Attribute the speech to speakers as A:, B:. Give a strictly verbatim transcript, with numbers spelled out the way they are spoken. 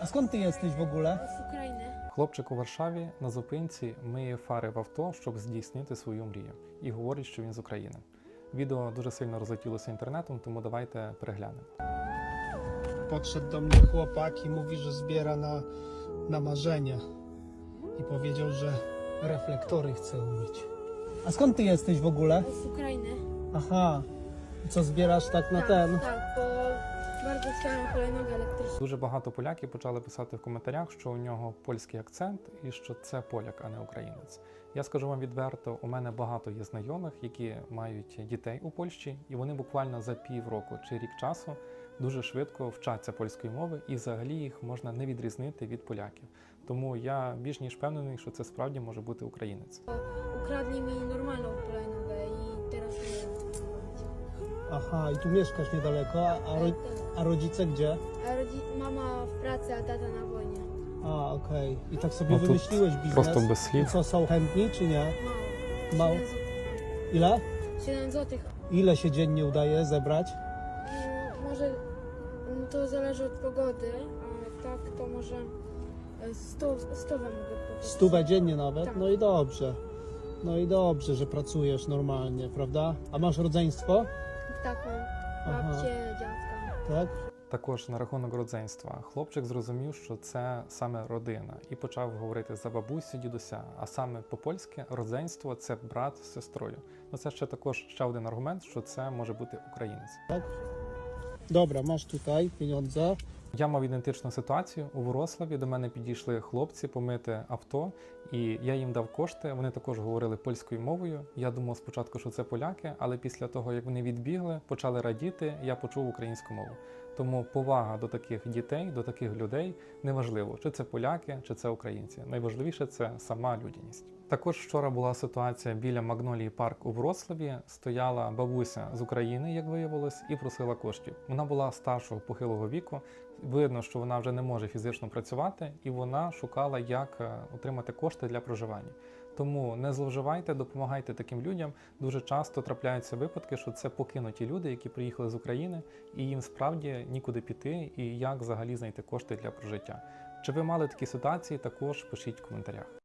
A: skąd ty jesteś w ogóle?
B: Z України.
C: Хлопчик у Варшаві на зупинці миє фари в авто, щоб здійснити свою мрію. І говорить, що він з України. Відео дуже сильно розлетілося інтернетом, тому давайте переглянемо.
A: Podszedł do mnie chłopak i mówi, że zbiera na, na marzenie. I powiedział, że reflektory chce umyć. A skąd ty jesteś w ogóle?
B: Z України.
A: Aha. I co zbierasz tak na ten?
B: Так, бо bardzo chciałem hulajnogę elektryczną.
C: Дуже багато поляків почали писати в коментарях, що у нього польський акцент і що це поляк, а не українець. Я скажу вам відверто, у мене багато є знайомих, які мають дітей у Польщі, і вони буквально за півроку чи рік часу дуже швидко вчаться польської мови, і взагалі їх можна не відрізнити від поляків. Тому я більш ніж впевнений, що це справді може бути українець.
B: Ukradli mi normalną hulajnogę i teraz nie wiem, co mam robić.
A: Aha, i tu mieszkasz niedaleko, a, a, ro, a rodzice gdzie?
B: A rodzi... mama w pracy, a tata na wojnie.
A: A, okej. I tak sobie
C: No tu
A: wymyśliłeś biznes?
C: Просто bez
A: I
C: слів.
A: co, są chętni czy nie?
B: Mało.
A: Mało. Ile?
B: siedem złotych.
A: Ile się dziennie udaje zebrać?
B: No, może mm, to zależy od pogody, a tak to może e, sto, stówę mogę kupić.
A: Stówę dziennie nawet?
B: Tak.
A: No i dobrze. No i dobrze, że pracujesz normalnie, prawda? A masz rodzeństwo?
B: Tak, mam
A: Aha.
B: babcię, dziadka.
A: Tak?
C: Також на рахунок родзинства. Хлопчик зрозумів, що це саме родина, і почав говорити за бабусю, дідуся. А саме по-польськи родзинство – це брат з сестрою. Ну це ще також ще один аргумент, що це може бути українець.
A: Tak? Dobra, masz tutaj pieniądze.
C: Я мав ідентичну ситуацію. У Ворославі до мене підійшли хлопці помити авто, і я їм дав кошти. Вони також говорили польською мовою. Я думав спочатку, що це поляки, але після того, як вони відбігли, почали радіти, я почув українську мову. Тому повага до таких дітей, до таких людей неважливо, чи це поляки, чи це українці. Найважливіше – це сама людяність. Також вчора була ситуація біля Магнолії парк у Вроцлаві. Стояла бабуся з України, як виявилось, і просила коштів. Вона була старшого похилого віку. Видно, що вона вже не може фізично працювати, і вона шукала, як отримати кошти для проживання. Тому не зловживайте, допомагайте таким людям. Дуже часто трапляються випадки, що це покинуті люди, які приїхали з України, і їм справді нікуди піти, і як взагалі знайти кошти для прожиття. Чи ви мали такі ситуації, також пишіть в коментарях.